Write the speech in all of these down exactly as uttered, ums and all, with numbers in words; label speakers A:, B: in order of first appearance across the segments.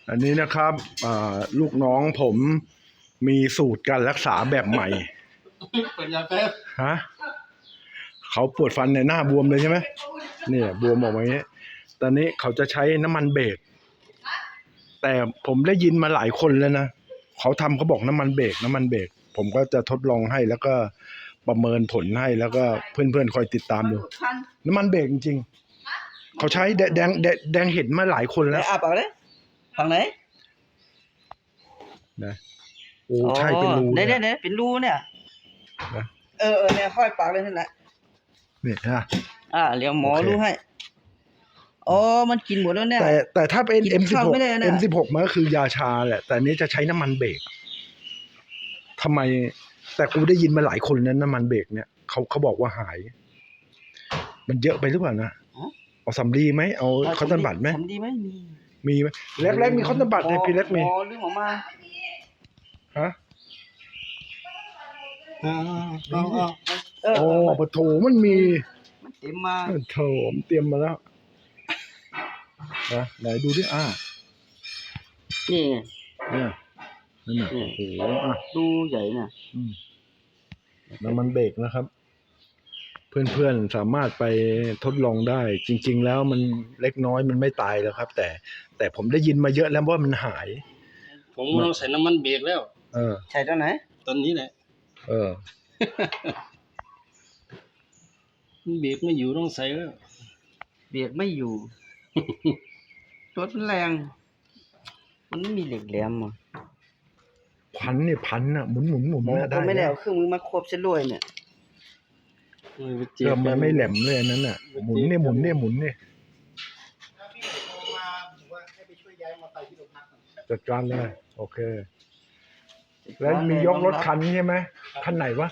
A: อันนี้นะครับลูกน้องผมมีสูตรการรักษาแบบใหม่
B: เปิดยาแป๊บ
A: ฮะเขาปวดฟันในหน้าบวมเลยใช่ไหมเนี่ยบวมออกมาอย่างนี้ตอนนี้เขาจะใช้น้ำมันเบรกแต่ผมได้ยินมาหลายคนแล้วนะเขาทำเขาบอกน้ำมันเบรกน้ำมันเบรกผมก็จะทดลองให้แล้วก็ประเมินผลให้แล้วก็เพื่อนๆคอยติดตามดูน้ำมันเบรกจริงๆเขาใช้แดงแดงแดงเห็นมาหลายคนแล้ว
C: อ่ะปากเลยฝั่งไหน
A: นะโอ้ใช่เป็นรู
C: เนี่ยเนี่ยเป็นรูเนี่ยเออเออเนี่ยค่อยปากเลยนั่นแหละ
A: เนี่ยฮะ
C: อ่าเดี๋ยวหมอรู้ให้อ๋อมันกินหมดแล้วเนี่ย
A: แต่แต่ถ้าเป็น เอ็ม สิบหก เอ็ม สิบหก มันก็คือยาชาแหละแต่นี้จะใช้น้ำมันเบรกทำไมแต่กูได้ยินมาหลายคนนั้นน้ำมันเบรกเนี่ยเขาเขาบอกว่าหายมันเยอะไปหรือเปล่านะเอาสำลีไหมเอาคอนตันบัตไหม
C: สำลีไหมมี
A: มีไหมแรกๆมีคอนตันบัตในพี่เล็กมี
C: อ๋อลืมออกมา
A: ฮะ
C: โอ้
A: ปะโถมันมี
C: มันเต็มมา
A: โถมเตรียมมาแล้วนะไหนดูดิอ่า
C: นี่
A: เนี่ยนั่นน่ะโอ้โหอ่ะ
C: ดูใหญ่น่ะ
A: น้ำมันเบรกนะครับเพื่อนๆสามารถไปทดลองได้จริงๆแล้วมันเล็กน้อยมันไม่ตายแล้วครับแต่แต่ผมได้ยินมาเยอะแล้วว่ามันหาย
B: ผมลองใส่น้ำมันเบรกแล้ว
A: เออ
C: ใส่ตอนไหน
B: ตอนนี้แหละ
A: เออ
B: เบรกไม่อยู่ต้องใส่แล้ว
C: เบรกไม่อยู่รถมันแรงมันไม่มีเหล็กแหลมอ่ะ
A: พันเนี่ยพันอ่ะหมุนหมุนหมุน
C: ได้ไม่ได้เอาเครื่องมือมาควบเส้นลอยเนี่ย
A: เออมันไม่แหลมเลยนั้นน่ะหมุนเนี่ยหมุนเนี่ยหมุนเนี่ยจัดการเลยโอเคแล้วมียกรถคันนี้ใช่ไหมคันไหนวะ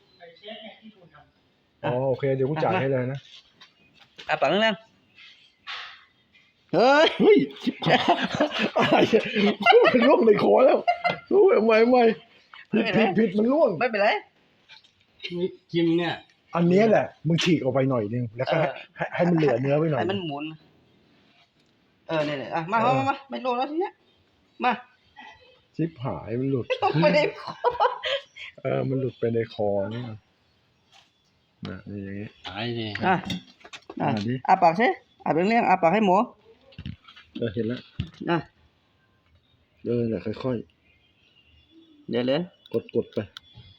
A: อ๋อโอเคเดี๋ยวกูจ่ายให้เลยนะ
C: อ่ะปังนั่งเฮ้ย
A: เฮ้ยอะไรมันล่วงในคอแล้วรู้ไหมไม่ผิดผิดผิดมันล่วง
C: ไม่เป็นไร
B: กิมเนี่ย
A: อันนี้แหละมึงฉีกออกไปหน่อยนึงแล้วก็ให้ให้มันเหลือเนื้อไปหน่อย
C: ให้มันหมุนเออเนี่ยอ่ะมามามาไม่ลงแล้วทีเนี้ยมา
A: ชิบหายมันหลุด
C: ไม่ได้
A: เออมันหลุดไปในคอนี่นะนี่อย่างนี้
B: หายเลย
C: อ่ะอ่ะอ่ะปากใช่อ่ะเป็นเรื่องอ่ะปากให้หมอ
A: เออเห็นแล้ว
C: อ่ะ
A: เออแหละค่อย
C: ๆเดี๋ยวเลย
A: กดกดไป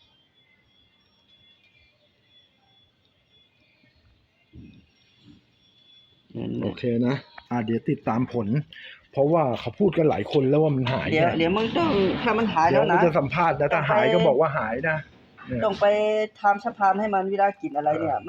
A: โอเคนะอ่าเดี๋ยวติดตามผลเพราะว่าเขาพูดกันหลายคนแล้วว่ามันหาย
C: เดี๋ยวเดี๋ยวมึงต้องถ้ามันหายแล้วนะ
A: จะสัมภาษณ์นะถ้าหายก็บอกว่าหายนะ
C: ต้องไปทำสะพานให้มันเวลากินอะไรเนี่ย